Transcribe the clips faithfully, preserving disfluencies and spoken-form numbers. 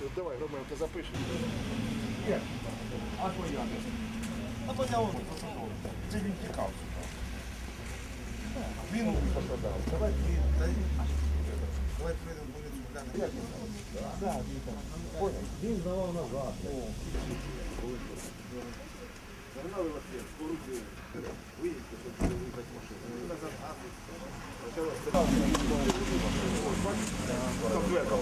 Давай, Романко, запишемо. А то я не. А то я он. Це він тікав. Він пострадав. Давай Давай прийдемо вулицю глянемо. Так, понял. Він здавав назад. Загнали вас всіх, поруки. Виїдьте, щоб виїхати машину. Назад, а почалося. Там дверка.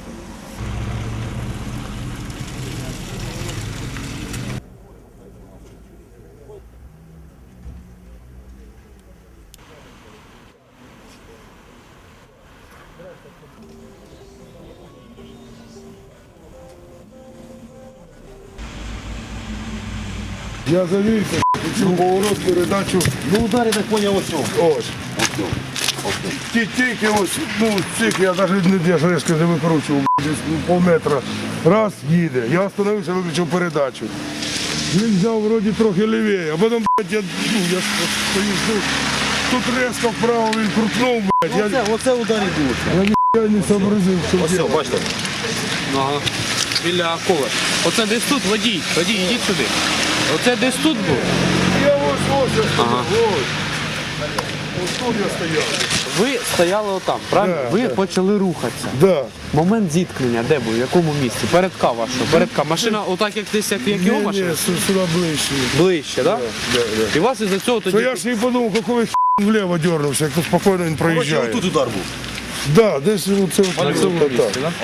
Я завівся, цю поворот, передачу. Ну ударі так поняв ось. Ось. Ті тільки ось, ну, цих я навіть не я ж резко не викручував, десь ну, пол метра. Раз, їде. Я остановився, виключив передачу. Він взяв вроді трохи лівіє, а потім, блядь, я, ну, я стою, ну, тут резко вправо він крутнув, блядь. Я, Оце, оце удар і був. я ніхто не сообразив, що Ось, делать. бачите. Ага. Біля кола. Оце десь тут, водій. Водій, йдіть сюди. Оце десь тут був. Я ось, ось, я стою, Ага. ось. Ось тут я стояв. Ви стояли отам, правильно? Да, Ви да. почали рухатися. Да. Момент зіткнення, де був, в якому місці? Передка вашого. Передка. Машина отак, як десь, як, як його Ні, ні, машина? сю- сюди ближче. Ближче, так? Да, да. І вас із-за цього То тоді... я ж і подумав, який вліво дернувся, як то спокійно він проїжджає. Тут удар був. Да, десь оце На от цьому так. місці, так?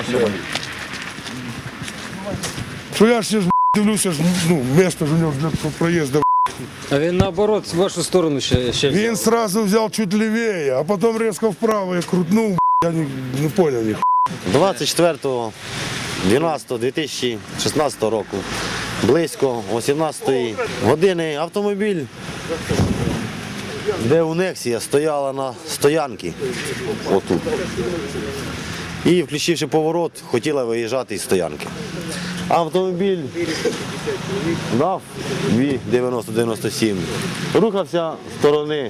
Що я ж ще ж, дивлюся, ж, ну, місто ж у нього для проїзду. А він наоборот в вашу сторону ще, ще Він сразу взяв чуть лівіє, а потім різко вправо я крутнув, я не, не поняв їх. двадцять четвертого дванадцятого дві тисячі шістнадцятого року, близько о сімнадцятої години автомобіль, де у Нексія стояла на стоянці, отут. І, включивши поворот, хотіла виїжджати із стоянки. Автомобіль НАФ Ві дев'яносто дев'яносто сім рухався з сторони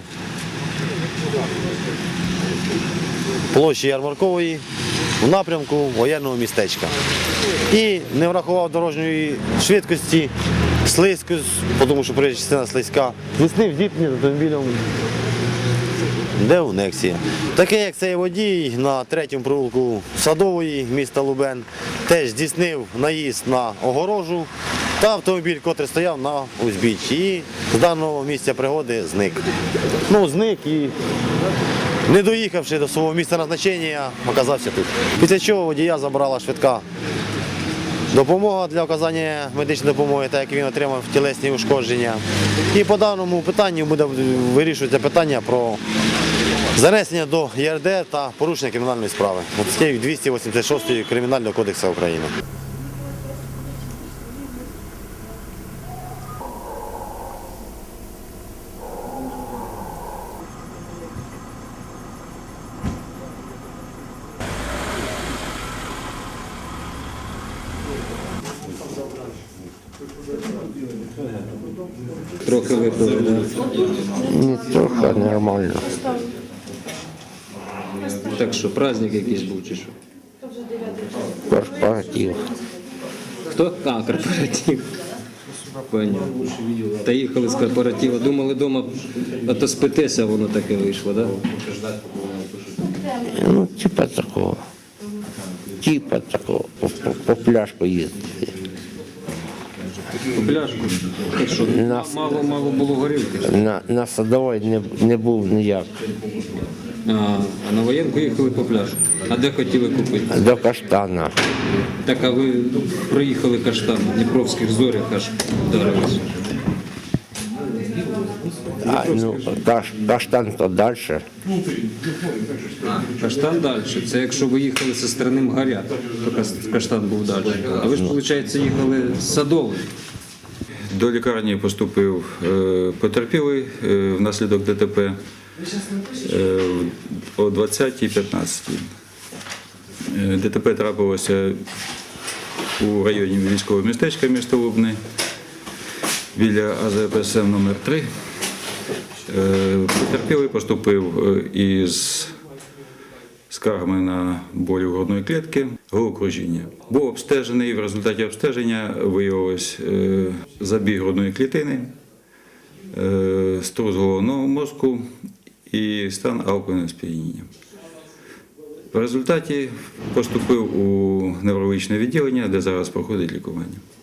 площі Ярмаркової в напрямку воєнного містечка. І не врахував дорожньої швидкості, слизько, тому що проїжджа частина слизька, здійснив зіткнення з автомобілем, де у Нексія. Таке, як цей водій на третьому провулку Садової міста Лубен, теж здійснив наїзд на огорожу та автомобіль, котрий стояв на узбіччі. І з даного місця пригоди зник. Ну, зник і, не доїхавши до свого місця назначення, оказався тут. Після чого водія забрала швидка допомога для оказання медичної допомоги, так як він отримав тілесні ушкодження. І по даному питанню буде вирішуватися питання про занесення до ЄРДР та порушення кримінальної справи. Статтею двісті вісімдесят шість Кримінального кодексу України. трохи випили, да? Не трохи, нормально. Так що, праздник якийсь був чи що? Корпоратив. Хто? А, корпоратив. Поняв. Та їхали з корпоративу. Думали вдома отоспитися, а воно таке вийшло, так? Да? Ну, типа такого. Типа такого. По, по, по пляжку їздити. По пляжку. Так що, мало-мало було горілки. На, на Садовій не, не був ніяк. А, а на воєнку їхали по пляжу. А де хотіли купити? До Каштана. Так, а ви проїхали Каштан, в Дніпровських зорях аж вдарились. А, ну, каш, Каштан то далі. Каштан далі. Це якщо ви їхали зі сторони Мгаря, то Кас- Каштан був далі. А ви ж, виходить, їхали з Садової. До лікарні поступив е, потерпілий е, внаслідок ДТП е, о двадцятій п'ятнадцятій. Е, ДТП трапилося у районі військового містечка міста Лубни біля А З П С М номер три. Е, Потерпілий поступив е, із скаргами на болі грудної клітки, головокружіння. Був обстежений, в результаті обстеження виявилось е, забіг грудної клітини, е, струс головного мозку і стан алкогольного сп'яніння. В результаті поступив у неврологічне відділення, де зараз проходить лікування.